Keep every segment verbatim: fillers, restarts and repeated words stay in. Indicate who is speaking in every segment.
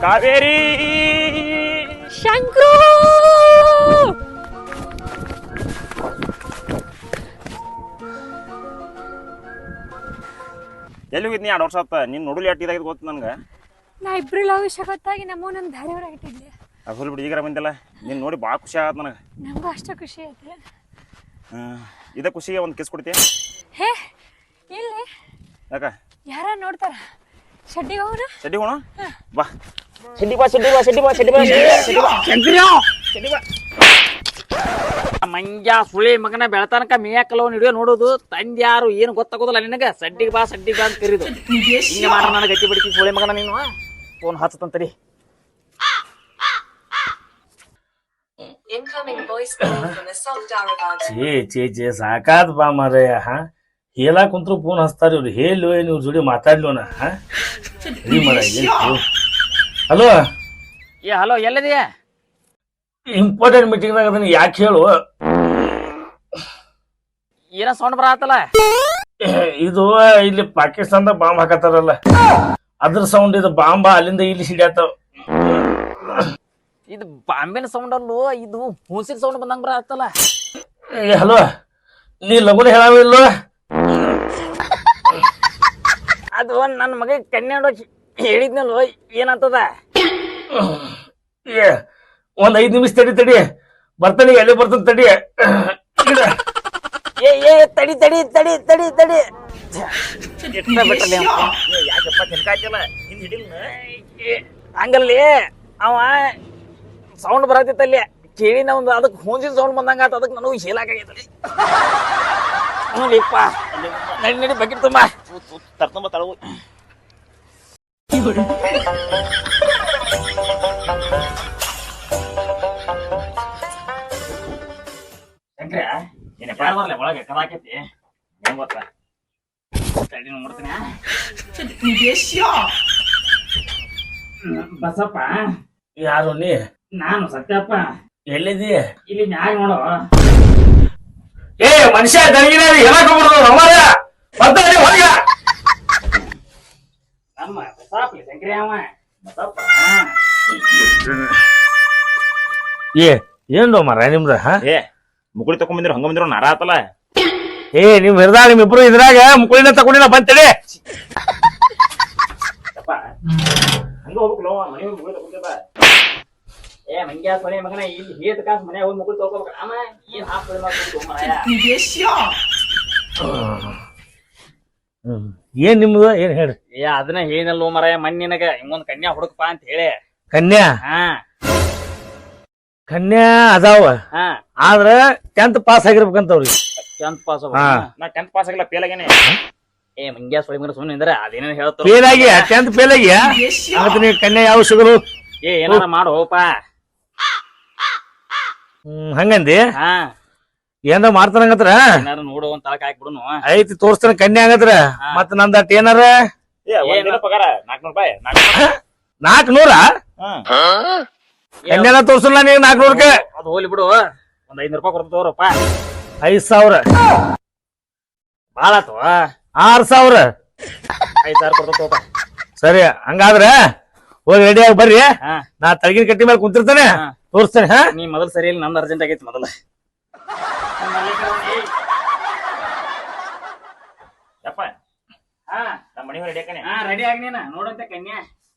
Speaker 1: ಕಾವೇರಿ
Speaker 2: ಶಂಕ್ರು
Speaker 1: ಎಲ್ಲಿ ಹೋಗಿದ್ನಿ ಎರಡು ವರ್ಷ ಆತ ನೀನು ನೋಡಲಿ ಅಟ್ಟು ಇದಾಗಿದ್ದು ಗೊತ್ತು ನನಗೆ.
Speaker 2: ನಾ ಇಬ್ರು ಲವ್ ವಿಷಯ ಗೊತ್ತಾಗಿ ನಮ್ಮ ನನ್ನ ಧಾರೆಯವರಾಗಿಟ್ಟಿದ್ದೆ.
Speaker 1: ಅದು ಹೋಲಿ ಬಿಡಿ ಈಗಾರ ಬಂದಿಲ್ಲ ನೀನು ನೋಡಿ ಭಾಳ ಖುಷಿ ಆಗತ್ತೆ ನನಗೆ.
Speaker 2: ನಮಗೂ ಅಷ್ಟು ಖುಷಿ ಐತೆ.
Speaker 1: ಇದೇ ಖುಷಿಗೆ ಒಂದು ಕಿಸ್ ಕೊಡ್ತೀಯ?
Speaker 2: ಹೇ ಇಲ್ಲಿ
Speaker 1: ಯಾಕ
Speaker 2: ಯಾರ ನೋಡ್ತಾರ? ಶೆಡ್ಡಿಗೆ ಹೋಗೋಣ.
Speaker 1: ಶೆಡ್ಡಿ ಹೋಣ ಬಾ. ಶೆಡ್ಡಿ ಬಾ ಶೆಡ್ಡಿ ಬಾ ಶೆಡ್ಡಿ ಬಾ ಶೆಡ್ಡಿ ಬಾ ಶೆಡ್ಡಿ ಬಾ ಶೆಡ್ಡಿ ಬಾ.
Speaker 3: ಮಂಜ ಸುಳಿ ಮಗನ ಬೆಳತನಕ ಮೇಯಕ್ಕಲವ್ ಹಿಡಿಯೋ ನೋಡೋದು ತಂದೆ ಯಾರು ಏನು ಗೊತ್ತಾಗೋದಿಲ್ಲ ನಿನಗೆ. ಸಡ್ಡಿಗೆ ಬಾ ಸಡ್ಡಿಗೆ ಬಾ ಅಂತ ಕರೀದು ಹಿಂಗೆ ಮಾಡ ನನಗೆ ಗಟ್ಟಿ ಬಿಡ್ತೀನಿ ಸುಳಿ ಮಗನ. ನೀನು ಫೋನ್ ಹಚ್ಚತಂತರಿ.
Speaker 4: ಛೇ ಛೇ ಛೇ ಸಾಕಾದ್ ಬಾ ಮಾರಯ್ಯ. ಹಾ ಹೇಳಾ ಕುಂತ್ರು ಫೋನ್ ಹಚ್ತಾರ ಇವ್ರು. ಹೇಳಿ ನೀವು ಜೋಡಿ ಮಾತಾಡ್ಲೋಣ. ಹಾ ಹೇಳಿ ಮಾರ. ಹಲೋ
Speaker 3: ಏ ಹಲೋ ಎಲ್ಲಿದೆಯಾ?
Speaker 4: ಇಂಪಾರ್ಟೆಂಟ್ ಮೀಟಿಂಗ್ನಾಗ ಅದನ್ನ ಯಾಕೆ ಹೇಳು.
Speaker 3: ಏನೋ ಸೌಂಡ್ ಬರತ್ತಲ್ಲ.
Speaker 4: ಇದು ಇಲ್ಲಿ ಪಾಕಿಸ್ತಾನದಾಗ ಬಾಂಬ್ ಹಾಕತ್ತಾರಲ್ಲ ಅದ್ರ ಸೌಂಡ್. ಇದು ಬಾಂಬ ಅಲ್ಲಿಂದ ಇಲ್ಲಿ ಸಿಡ್ಯಾತಾವ.
Speaker 3: ಇದು ಬಾಂಬಿನ ಸೌಂಡ್ ಅಲ್ಲೋ, ಇದು ಹುಸಿನ ಸೌಂಡ್ ಬಂದಂಗ ಬರತ್ತಲ್ಲ.
Speaker 4: ಹಲೋ ನೀ ಲಗುನ ಹೇಳಾವಿಲ್ಲ.
Speaker 3: ಅದು ನನ್ನ ಮಗ ಕನ್ಯಾಡ ಹೇಳಿದ್ನಲ್ವ ಏನಂತದ.
Speaker 4: ಏ ಒಂದ್ ಐದ್ ನಿಮಿಷ ತಡಿ ತಡಿ ಬರ್ತಾನೆ. ಎಲ್ಲಿ ಬರ್ತಾನೆ ತಡಿ.
Speaker 3: ಏ ಏ ತಡಿ ತಡಿ ತಡಿ ತಡಿ ತಡಿ ಬಿಟ್ಟಲ್ಲ
Speaker 1: ಯಾಕಪ್ಪ ತಿನ್ಕಾಯ್ತಿಲ್ಲ ಹಿಂದ್ ಹಿಡಿಲ್
Speaker 3: ಹಂಗಲ್ಲಿ ಅವ ಸೌಂಡ್ ಬರತ್ತಿತ್ತಲ್ಲಿ ಕೇಳಿ ನಾವು ಅದಕ್ಕೆ ಹೂಂಜಿನ ಸೌಂಡ್ ಬಂದಂಗ ಆತ. ಅದಕ್ಕೆ ನನಗೂ ಶೀಲಾಕಾಗೈತಲ್ಲಿ. ನೋಡಿಪ್ಪ ನಡಿ ನಡಿ ಬಕೆಟ್ ತುಂಬ
Speaker 1: ತರ್ತಂಬ ತಳವು.
Speaker 3: ಶಂಕ್ರ ಏನಪ್ಪ ಬರ್ಲೆ ಒಳಗೆ ಕದಾಕೈತಿ ಹೆಂಗ್ ಗೊತ್ತಾ? ತಡಿ ನೋಡ್ತೀನಿ. ಬಸಪ್ಪ
Speaker 4: ಯಾರು ನೀ?
Speaker 3: ನಾನು ಸತ್ಯಪ್ಪ.
Speaker 4: ಎಲ್ಲಿದಿ?
Speaker 3: ಇಲ್ಲಿ ಮ್ಯಾಗ ನೋಡು.
Speaker 4: ಏ ಮನುಷ್ಯ ದರ್ಗಿನ ಹೇಳಕೊಂಡ್ಬಿಡುದು ಅಮರ ಬರ್ತಾನೆ ಹೊರಗ.
Speaker 3: ನಮ್ಮ ಬಸಪ್ಪ ಶಂಕ್ರಿ ಅವ ಬಸಪ್ಪ.
Speaker 4: ಏ ಏನು ಮರ ನಿಮ್ದ?
Speaker 1: ಏ ಮುಕುಳಿ ತಕೊಂಡ್ ಹಂಗ ಬಂದಿರೋ ನಾರ ಆತಲ್ಲ.
Speaker 4: ಏ ನಿಮ್ ಹಿಡ್ದಾಗ ನಿಮ್ ಇಬ್ರು ಇದ್ರಾಗ ಮುಕುಳಿನ ತಗೊಂಡಿಲ್ಲ ಬಂತೇಳಿ.
Speaker 1: ಹಂಗ ಹೋಗ್ಬೇಕಲ್ಲ ಮನೆ ಮುಕುಳಿ ತಗೊಂಡಿಲ್ಲ.
Speaker 3: ಏ ಮಂಗ್ಯಾ ಸೊನೆ ಮಗನ ಇಲ್ಲಿ ಹೇತ ಕಾಸ್ ಮನೆ ಹೋಗಿ ಮುಕುಳಿ ತಗೋಬೇಕು. ಆಮ ಏನ್ ಹಾಕ್ಬಿಡಿ ಮಾಡ್ಕೊಂಡು ಮರಾಯ.
Speaker 4: ಏನ್ ನಿಮ್ದು ಏನ್ ಹೇಳಿ?
Speaker 3: ಏ ಅದನ್ನ ಹೇಳಿನಲ್ವ ಮರಾಯ ಮನ್ ನಿನಗ ಹಿಂಗೊಂದ್ ಕನ್ಯಾ ಹುಡುಕಪ್ಪ ಅಂತ ಹೇಳಿ.
Speaker 4: ಕನ್ಯಾ?
Speaker 3: ಹಾ
Speaker 4: ಕನ್ಯಾ ಅದಾವ.
Speaker 3: ಹಾ
Speaker 4: ಆದ್ರ ಟೆಂತ್ ಪಾಸ್ ಆಗಿರ್ಬೇಕಂತವ್ರಿ.
Speaker 3: ಟೆಂತ್ ಪಾಸ್
Speaker 1: ನಾ ಟೆಂತ್ ಪಾಸ್ ಆಗಿಲ್ಲ ಫೇಲ್ ಆಗೇನೆ.
Speaker 3: ಏ ಮಂಗ್ಯಾ ಸೊಳಿ ಮಗನ ಸುಮ್ಮನೆ ಅಂದ್ರೆ ಅದೇನೇನು ಹೇಳ್ತಾರ.
Speaker 4: ಫೇಲ್ ಆಗಿ ಟೆಂತ್ ಫೇಲ್ ಆಗಿ ನೀ ಕನ್ಯಾ ಯಾವ ಸಿಗಲು?
Speaker 3: ಏ ಏನಾರ ಮಾಡು ಹೋಪ.
Speaker 4: ಹ್ಮ್ ಹಂಗಂದಿ?
Speaker 3: ಹಾ
Speaker 4: ಏನಾರ ಮಾಡ್ತಾನಂಗತ್ರ
Speaker 3: ಏನಾರ ನೋಡು ಒಂದ್ ತಳಕ್ ಹಾಕ್ಬಿಡುನು.
Speaker 4: ಐತಿ ತೋರ್ಸ್ತಾನ ಕನ್ಯಾ ಹಂಗತ್ರ. ಮತ್ ನಂದ ಅಟ್ ಏನಾರ
Speaker 1: ಏ ಒಂದಿನ ಪಗಾರ ನಾಲ್ಕನೂರು ರೂಪಾಯಿ.
Speaker 4: ನಾಲ್ಕ್ ನೂರ ಕನ್ಯಾನ ತೋರ್ಸಲ್ಲ ನೀವ್ ನಾಲ್ಕನೂರಕ್ಕೆ.
Speaker 3: ಅದು ಹೋಲಿ ಬಿಡು, ಒಂದ್ ಐದ್ನೂರು ರೂಪಾಯಿ ಕೊಡ್ತ ತಗೋರಪ್ಪ.
Speaker 4: ಐದ್ ಸಾವಿರ
Speaker 3: ಬಾಳ ಆತವ.
Speaker 4: ಆರ್ ಸಾವಿರ
Speaker 3: ಐದ್ ಸಾವಿರ ಕೊಡ್ತ ತಗೋಪ.
Speaker 4: ಸರಿ ಹಂಗಾದ್ರ ಹೋಗಿ ರೆಡಿ ಆಗಿ ಬರ್ರಿ.
Speaker 3: ಹಾ
Speaker 4: ನಾ ತಳಗಿನ ಕಟ್ಟಿ ಮೇಲೆ ಕುಂತಿರ್ತಾನೆ
Speaker 3: ಹಾ.
Speaker 4: ತೋರಿಸ್ತೇನೆ. ಹಾ
Speaker 3: ನೀ ಮೊದಲ್ ಸರಿ ಇಲ್ಲ, ನಂದು ಅರ್ಜೆಂಟ್ ಆಗೈತಿ ಮೊದಲ.
Speaker 1: ಯಪ್ಪ
Speaker 3: ಹಾ
Speaker 1: ನಮ್ಮ ಮನೆ ರೆಡಿ ಹಾಕನೆ.
Speaker 3: ಹಾ ರೆಡಿ ಆಗಿ ನೀನ ನೋಡಂತೆ ಕನ್ಯಾ.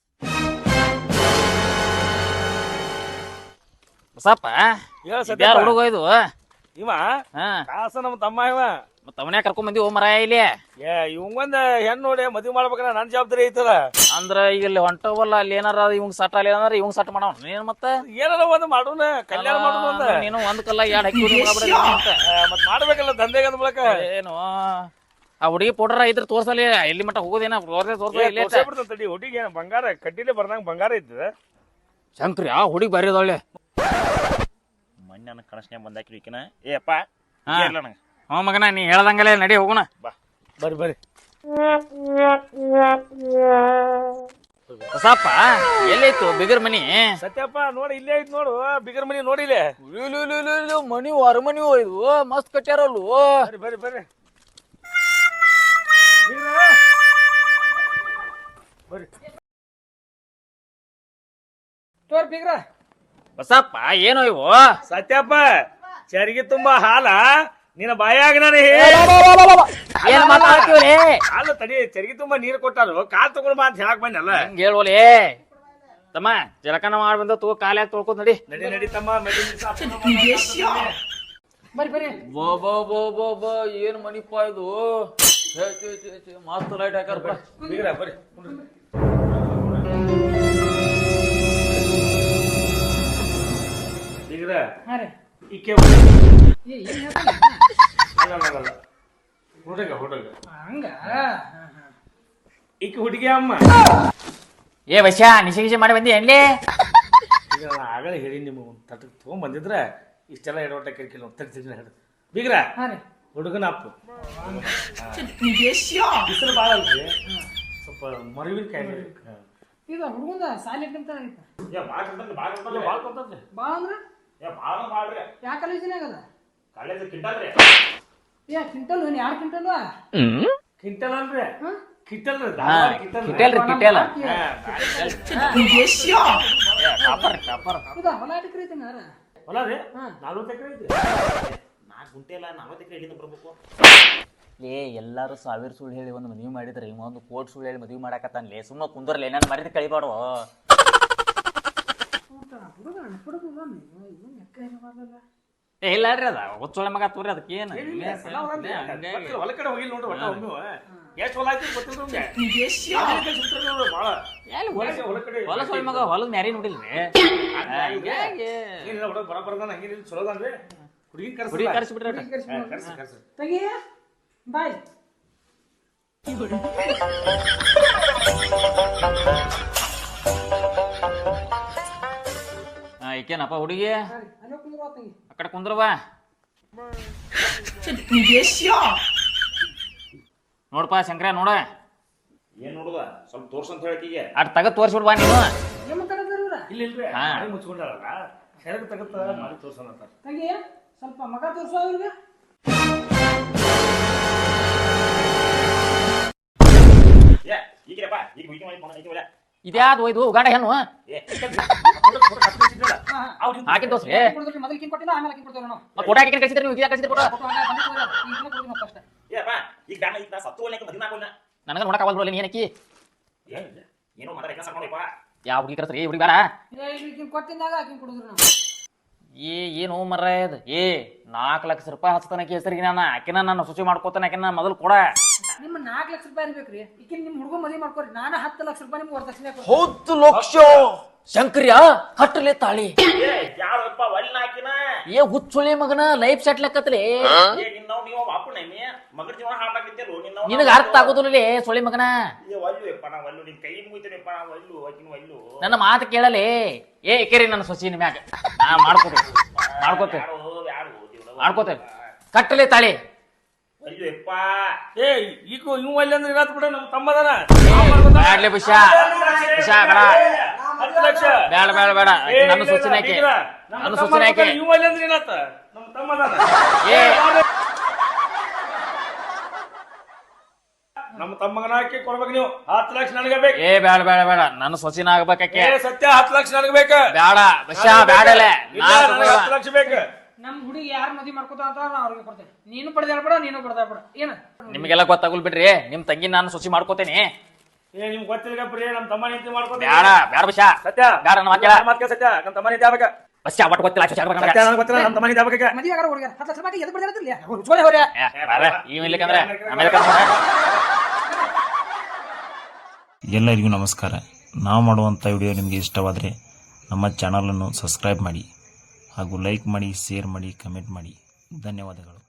Speaker 3: ಬಸಪ್ಪ ಯಾರು ಹುಡುಗ ಇದು?
Speaker 4: ಇವ
Speaker 3: ಹಾ
Speaker 4: ಕಾಸ ನಮ್ ತಮ್ಮ. ಇವ
Speaker 3: ಮತ್ತ ಅವನ್ಯಾ ಕರ್ಕೊಂಡ್ ಬಂದಿ ಓ ಮರಾಯ ಇಲ್ಲಿ.
Speaker 4: ಏ ಇವಂಗೊಂದ ಹೆಣ್ಣು ನೋಡಿ ಮದ್ವಿ ಮಾಡ್ಬೇಕಂದ್ರ ನನ್ ಜವಾಬ್ದಾರಿ ಐತದ.
Speaker 3: ಅಂದ್ರ ಈಗ ಇಲ್ಲಿ ಹೊಂಟವಲ್ಲ ಅಲ್ಲಿ ಏನಾರ ಇವಂಗ್ ಸಟ್ ಅಲ್ಲಿ ಏನಾರ ಇವಂಗ್ ಸಟ್ ಮಾಡವ ನೀನ್ ಮತ್ತ
Speaker 4: ಏನಾರ ಒಂದ್ ಮಾಡೋಣ, ಕಲ್ಯಾಣ ಮಾಡೋಣ ಅಂದ.
Speaker 3: ನೀನು ಒಂದ್ ಕಲ್ಲ ಎರಡ್ ಹಾಕಿ
Speaker 4: ಮತ್ ಮಾಡ್ಬೇಕಲ್ಲ ದಂಧೆಗೆ ಅಂದ ಬಳಕ.
Speaker 3: ಏನು ಆ ಹುಡುಗಿ ಪೌಡರ್ ಇದ್ರ ತೋರ್ಸಲಿ ಎಲ್ಲಿ ಮಟ್ಟ ಹೋಗೋದೇನ ತೋರ್ಸ.
Speaker 4: ತಡಿ ಹುಡುಗಿ ಏನ ಬಂಗಾರ ಕಡ್ಡಿಲೆ ಬರ್ದಂಗ ಬಂಗಾರ ಐತದ.
Speaker 3: ಶಂಕ್ರಿ ಆ ಹುಡುಗಿ ಬರೀ ಅದೊಳ್ಳೆ
Speaker 1: ಮೊನ್ನೆ ನನ್ನ ಕನಸ್ನ್ಯಾಗ ಬಂದಾಕಿ ಈಕಿನ. ಏ ಅಪ್ಪ ನಂಗೆ
Speaker 3: ಹ್ಞೂ ಮಗನ ನೀ ಹೇಳ್ದಂಗಲೇ ನಡಿ ಹೋಗೋಣ.
Speaker 4: ಬಾ ಬರ್ರಿ ಬರ್ರಿ.
Speaker 3: ಬಸಪ್ಪ ಎಲ್ಲೈತು ಬಿಗರ್ ಮನಿ?
Speaker 4: ಸತ್ಯಪ್ಪ ನೋಡಿ ಇಲ್ಲೇ ಐತ್ ನೋಡು ಬಿಗರ್ ಮನಿ ನೋಡಿಲೆ.
Speaker 3: ಮನಿ ಹೊರ ಮನಿ ಇದು ಮಸ್ತ್ ಕಟ್ಟ್ಯಾರಲ್ವ.
Speaker 4: ಬರ್ರಿ ಬರ್ರಿ ಬರ್ರಿ.
Speaker 5: ತೋರ್ ಬೀಗ್ರ
Speaker 3: ಬಸಪ್ಪ ಏನೋ ಇವು
Speaker 4: ಸತ್ಯಪ್ಪ ಚರಿಗೆ ತುಂಬಾ ಹಾಲ ನಿನ್ನ ಬಾಯಾಗ ನಾನು
Speaker 3: ಏನ್ ಮಾತಾಡ್ತೀವ್ರಿ
Speaker 4: ಹಾಲು ತಡಿ ಚರಿಗೆ ತುಂಬಾ ನೀರು ಕೊಟ್ಟಾರು ಕಾಲ್ ತಗೊಂಡ್ ಬಾ ಅಂತ ಹೇಳಕ್ ಬಂದಲ್ಲ
Speaker 3: ಹಂಗ ಹೇಳ್ವಲೇ ತಮ್ಮ ಜಲಕನ ಮಾಡಿ ಬಂದ ತಗೋ ಕಾಲ್ಯಾಗ ತೊಳ್ಕೊಂಡ್ ನಡಿ
Speaker 4: ನಡಿ ನಡಿ ತಮ್ಮ
Speaker 5: ಬರ್ರಿ ಬರ್ರಿ
Speaker 3: ಬೋ ಬೋ ಬೋ ಬೋ ಬೋ ಏನ್ ಮನಿಪ್ಪ ಇದು ಮಸ್ತ್ ಲೈಟ್ ಹಾಕಾರ
Speaker 4: ಬರ್ರಿ ಬೀಗ್ರ
Speaker 5: ಹಾ ರೀ
Speaker 4: ಈಕೆ
Speaker 5: ಏ ಏನ್ ಹೇಳ್ತಾನೆ
Speaker 4: ಅಲ್ಲ ಅಲ್ಲ ಹುಡುಗ ಹುಡುಗ
Speaker 5: ಹಂಗ
Speaker 4: ಈಕೆ ಹುಡುಗಿ ಅಮ್ಮ
Speaker 3: ಏ ವಶ ನಿಶೆ ಗಿಶೆ ಮಾಡಿ ಬಂದಿ ಎಣ್ಣೆ
Speaker 4: ಈಗ ನಾನು ಆಗಲೇ ಹೇಳಿ ನಿಮ್ಮ ತಟ್ಟಕ್ಕೆ ತೊಗೊಂಡ್ ಬಂದಿದ್ರೆ ಇಷ್ಟೆಲ್ಲ ಎಡವಟ್ಟ ಕಿರಿಕಿಲ್ಲ ತಗ್ತಿದ್ದೀನಿ ಹೇಳಿ ಬೀಗ್ರ
Speaker 5: ಹಾ ರೀ
Speaker 4: ಹುಡುಗನ ಅಪ್ಪು ಬಿಸಿಲು ಭಾಳ ಅಲ್ರಿ ಸ್ವಲ್ಪ ಮರುವಿನ ಕಾಯಿಲೆ
Speaker 5: ಈಗ ಹುಡುಗಂದ ಸಾಲಿ ನಿಂತ ಬಾ ಅಂದ್ರ ಯಾ ಕಾಲೇಜಿನಾಗ ಅದ ಏ ಕ್ವಿಂಟಲ್ ಯಾರು ಕ್ವಿಂಟಲ್
Speaker 4: ಕಿಂಟಲ್ ಅಲ್ರಿ ಕಿಂಟಲ್
Speaker 3: ಕಿಟೇಲ್ ರೀ ಕಿಟೇಲ್
Speaker 5: ಹೌದಾ ಹೊಲ ಎಕರೆ ಐತಿ ನಾರ
Speaker 4: ಹೊಲ ರೀ ನಲ್ವತ್ತು ಎಕರೆ ಐತಿ
Speaker 1: ನಾಲ್ಕು ಗುಂಟೆ ಇಲ್ಲ ನಲ್ವತ್ತು ಎಕರೆ ಎಲ್ಲಿಂದ ಬರ್ಬೇಕು
Speaker 3: ಲೇ ಎಲ್ಲಾರು ಸಾವಿರ ಸುಳ್ಳು ಹೇಳಿ ಒಂದು ಮದುವೆ ಮಾಡಿದ್ರೆ ಇವ ಒಂದು ಕೋಟಿ ಸುಳ್ಳು ಹೇಳಿ ಮದುವೆ ಮಾಡಾಕತ್ತಾನ್ಲೇ ಸುಮ್ಮ ಕುಂದರ್ಲೆ ನಾನು ಮರಿದ ಕಳಿಬಾಡು
Speaker 5: ಹುಡುಗ ಹುಡುಗ ಏನು ಎಕರೆ ಮಾಡಲ್ಲ
Speaker 3: ಏ ಇಲ್ಲ ರೀ ಅದ ಒಚ್ಚೊಳೆ ಮಗ ತೋರಿ ಅದಕ್ಕೆ ಏನು
Speaker 4: ಹೊಲ ಕಡೆ ಹೋಗಿಲ್ಲ ನೋಡ್ರಿ ಒಟ್ಟ ಒಮ್ಮೆ ಎಷ್ಟು ಹೊಲ ಐತಿ ಗೊತ್ತಿಲ್ಲ ಭಾಳ ಹೊಲ ಕಡೆ
Speaker 3: ಹೊಲ ಸೊಳ್ಳೆ ಮಗ ಹೊಲದ ಮ್ಯಾರಿ ನೋಡಿಲ್ರಿ
Speaker 4: ಏನಿಲ್ಲ ಹುಡುಗ ಬರ ಬರದಾನ ಹಂಗೇನಿಲ್ಲ ಚಲೋದನ್ರಿ ಹುಡುಗಿ
Speaker 3: ಹುಡುಗಿ
Speaker 4: ಕರ್ಸಿ
Speaker 3: ಕರ್ಸಿ ಬಿಡ್ರಿ
Speaker 4: ಕರ್ಸಿ ಕರ್ಸಿ
Speaker 5: ತೆಗಿ ಬಾಯ್
Speaker 3: ಹಾ ಈಕೇನಪ್ಪ ಹುಡುಗಿ
Speaker 5: ಅಲ್ಲೋ ಕುಂದ್ರ ತಂಗಿ
Speaker 3: ಆ ಕಡೆ ಕುಂದ್ರವಾ ನೋಡಪ್ಪ ಶಂಕರ ನೋಡ
Speaker 1: ಏನ್ ನೋಡುದ ಸ್ವಲ್ಪ ತೋರ್ಸಂತ ಹೇಳಕೀಗೆ
Speaker 3: ಅಟ್ ತಗದ್ ತೋರ್ಸ್ಬಿಡ್ ಬಾ ನೀನು
Speaker 5: ಏನ್ ಮಾತಾಡೋದ್ರ ಇವ್ರ
Speaker 4: ಇಲ್ಲ ಇಲ್ರಿ
Speaker 3: ಹಾ.
Speaker 4: ಮಾಡಿ ಮುಚ್ಕೊಂಡಾರಲ್ಲ ಹೆರಗ್ ತಗತ್ತ ಮಾಡಿ ತೋರ್ಸೋಣ ಅಂತ
Speaker 5: ತಂಗಿ ಸ್ವಲ್ಪ ಮಗ ತೋರ್ಸೋ ಅವ್ರಿಗೆ
Speaker 1: ಏ ಈಗಿರಪ್ಪ ಈಗ ವೀಕೆ ಮಾಡಿ ಫೋನ್ ಐತಿ
Speaker 3: ಇದ್ಯಾವ್ದು ಒಯ್ದು ಉಗಾಡ ಹೆಣ್ಣು
Speaker 1: ಏ
Speaker 3: ಹಾಕಿ ತೋರ್ಸ್ರಿ
Speaker 5: ಕೊಡ್ತೀರಿ ಮೊದಲು ಕಿನ್ ಕೊಟ್ಟಿಲ್ಲ ಆಮೇಲೆ ಕಿನ್ ಕೊಡ್ತೇವೆ ನಾವು
Speaker 3: ಮತ್ತೆ ಫೋಟೋ ಹಾಕಿ ಕಳಿಸಿದ್ರೆ ನೀವು ಇದ್ಯಾಕ ಕಳಿಸಿದ್ರೆ ಫೋಟೋ
Speaker 5: ಫೋಟೋ ಹಂಗ ಬಂದು ಕೊಡ್ರಿ ಈಗ ಕೊಡ್ತೀವಿ ನಾವು ಫಸ್ಟ್
Speaker 1: ಏಪ್ಪ ಈಗ ದಾನ ಈಗ ನಾ ಸತ್ತು ಒಳ್ಳೆ ಮದುವೆ ಆಗೋಲ್ಲ
Speaker 3: ನನಗೆ ನೋಡಕ್ ಆಗಲ್ಲ ನೀ ಏನಕ್ಕಿ
Speaker 1: ಏನೋ ಮಾತಾಡ ಕೆಲಸ ಮಾಡ್ಕೊಳಪ್ಪ
Speaker 3: ಯಾವ ಹುಡುಗಿ ಕರ್ಸ್ರಿ ಹುಡುಗಿ ಬೇಡ
Speaker 5: ಏ ಈಗ ಕಿನ್ ಕೊಟ್ಟಿದ್ದಾಗ ಕಿನ್ ಕೊಡಿದ್ರು ನಾವು
Speaker 3: ಏ ಏನು ಮರ ಇದು ಏ ನಾಲ್ಕು ಲಕ್ಷ ರೂಪಾಯಿ ಹಚ್ತಾನಕ್ಕೆ ಹೆಸರಿಗೆ ನಾನು ಆಕಿನ ನಾನು ಶುಚಿ ಮಾಡ್ಕೋತಾನೆ ಆಕಿನ ಮೊದಲು ಕೊಡ
Speaker 5: ನಿಮ್ಮ ನಾಲ್ಕು ಲಕ್ಷ ರೂಪಾಯಿ ಇರ್ಬೇಕ್ರಿ ಈಕಿನ ನಿಮ್ಮ ಹುಡುಗ ಮದುವೆ ಮಾಡ್ಕೊರಿ ನಾನು ಹತ್ತು ಲಕ್ಷ ರೂಪಾಯಿ ನಿಮ್ಗೆ ವರದಕ್ಷಿಣೆ ಕೊಡ್ತೀನಿ
Speaker 3: ಹತ್ತು ಲಕ್ಷ ಶಂಕರ್ಯ ಕಟ್ಟಲೆ ತಾಳಿ
Speaker 1: ಏ ಯಾರಪ್ಪ ಒಳ್ಳೆ ಹಾಕಿನ
Speaker 3: ಏ ಹುಚ್ಚುಳಿ ಮಗನ ಲೈಫ್ ಸೆಟ್ ಲೆಕ್ಕತ್ಲೆ
Speaker 1: ಏ ನಿನ್ನವ್ ನೀವು ಅಪ್ಪನ ನೀ ಮಗನ ಜೀವನ ಹಾಳಾಗಿದ್ದೆಲ್ಲೋ ನಿನ್ನವ್
Speaker 3: ನಿನಗ ಅರ್ಥ ಆಗೋದಿಲ್ಲ ಸುಳಿ ಮಗನ
Speaker 1: ಏ ಒಲ್ಲು ಯಪ್ಪ ನಾ ಒಲ್ಲು ನಿನ್ ಕೈ ಮುಗಿತೇನೆಪ್ಪ ನಾ ಒಲ್ಲು ಆಕಿನ ಒಲ್ಲು
Speaker 3: ನನ್ನ ಮಾತು ಕೇಳಲೆ ಏ ಕೇರಿ ನನ್ನ ಸೊಸಿನ ಮ್ಯಾಗ ನಾ ಮಾಡ್ಕೋತೇವೆ ಮಾಡ್ಕೋತೇವೆ
Speaker 1: ಯಾರು ಯಾರು ದೇವ್ರವ್ವ.
Speaker 3: ಮಾಡ್ಕೋತೇವೆ ಕಟ್ಟಲೆ ತಾಳಿ
Speaker 1: ಒಲ್ಲು ಯಪ್ಪ
Speaker 4: ಏ ಈಗ ಇವ್ ಅಲ್ಲಿ ಅಂದ್ರೆ ಇರತ್ ಬಿಡ ನಮ್ಮ ತಮ್ಮದನ
Speaker 3: ಬ್ಯಾಡ್ಲೆ ಬಿಷಾ ಬಿಷಾ ಬೇಡ
Speaker 4: ಹತ್ತು ಲಕ್ಷ
Speaker 3: ಬೇಡ ಬೇಡ ಬೇಡ
Speaker 4: ಏ,
Speaker 3: ನನ್ನ
Speaker 4: ಇಲ್ಲ,
Speaker 3: ಸೊಸಿನ
Speaker 4: ಇಲ್ಲ,
Speaker 3: ಹಾಕಿ
Speaker 4: ಬೀಗ್ರ,
Speaker 3: ನನ್ನ
Speaker 4: ನಮ್ಮ
Speaker 3: ಸೊಸಿನ ಹಾಕಿ
Speaker 4: ಇವ್ ಅಲ್ಲಿ ಅಂದ್ರೆ ಏನತ್ತ ನಮ್ಮ ತಮ್ಮದನ
Speaker 3: ಏ
Speaker 4: ನಮ್ಮ ತಮ್ಮಗನ ಹಾಕಿ ಕೊಡ್ಬೇಕು ನೀವು ಹತ್ತು ಲಕ್ಷ ನನಗೆ ಬೇಕು
Speaker 3: ಏ ಬೇಡ ಬೇಡ ಬೇಡ ನನ್ನ ಸೊಸಿನ ಆಗ್ಬೇಕಾಕೆ
Speaker 4: ಏ ಸತ್ಯ ಹತ್ತು ಲಕ್ಷ ನನಗೆ ಬೇಕು
Speaker 3: ಬೇಡ ಬಿಷಾ ಬೇಡಲೆ
Speaker 4: ಇಲ್ಲ, ನನಗೆ ಹತ್ತು ಲಕ್ಷ ಬೇಕು
Speaker 5: ನಮ್ಮ ಹುಡುಗಿ ಯಾರು ಮದುವೆ ಮಾಡ್ಕೋತಾರ ಅಂತ ನಾ ಅವ್ರಿಗೆ ಕೊಡ್ತೇನೆ ನೀನು ಪಡೆದಾಡ್ಬೇಡ ನೀನು ಪಡೆದಾಡ್ಬೇಡ ಏನ
Speaker 3: ನಿಮಗೆಲ್ಲ ಗೊತ್ತಾಗಲ್ ಬಿಡ್ರಿ ನಿಮ್ ತಂಗಿ ನಾನು ಸೊಸಿ ಮಾಡ್ಕೋತೇನೆ
Speaker 4: ಏ ನಿಮ್ಗೆ ಗೊತ್ತಿಲ್ಲ ಪ್ರಿಯ ನಮ್ಮ ತಮ್ಮ ನಿಂತಿ ಮಾಡ್ಕೊತೀನಿ
Speaker 3: ಬೇಡ ಬೇಡ ಬಿಷಾ
Speaker 4: ಸತ್ಯ
Speaker 3: ಬೇಡ ನನ್ನ ಮಾತ್ ಕೇಳ.
Speaker 4: ಮಾತ್ ಕೇಳ ಸತ್ಯ ನಮ್ಮ ತಮ್ಮ ನಿಂತಿ ಆಗ್ಬೇಕ
Speaker 3: ಬಸ್ಸಾ ಒಟ್ಟು ಗೊತ್ತಿಲ್ಲ ಅಷ್ಟು
Speaker 4: ಸತ್ಯ ನನಗೆ ಗೊತ್ತಿಲ್ಲ ನಮ್ಮ ತಮ್ಮ ನಿಂತಿ ಆಗ್ಬೇಕ
Speaker 5: ಮದುವೆ ಆಗಾರ ಹುಡುಗ ಹತ್ತು ಲಕ್ಷ ರೂಪಾಯಿ ಎದು ಪಡೆದಾಡ್ತಿರ್ಲಿ ಹುಚ್ಕೊಳೆ ಹೋರೆ
Speaker 3: ಇವ್ ಇಲ್ಲಕಂದ್ರೆ ಆಮೇಲೆ ಕರ್ಕೊಂಡ್ ಬಾ.
Speaker 6: ಎಲ್ಲರಿಗೂ ನಮಸ್ಕಾರ. ನಾವು ಮಾಡುವಂಥ ವಿಡಿಯೋ ನಿಮಗೆ ಇಷ್ಟವಾದರೆ ನಮ್ಮ ಚಾನಲನ್ನು ಸಬ್ಸ್ಕ್ರೈಬ್ ಮಾಡಿ ಹಾಗೂ ಲೈಕ್ ಮಾಡಿ, ಶೇರ್ ಮಾಡಿ, ಕಮೆಂಟ್ ಮಾಡಿ. ಧನ್ಯವಾದಗಳು.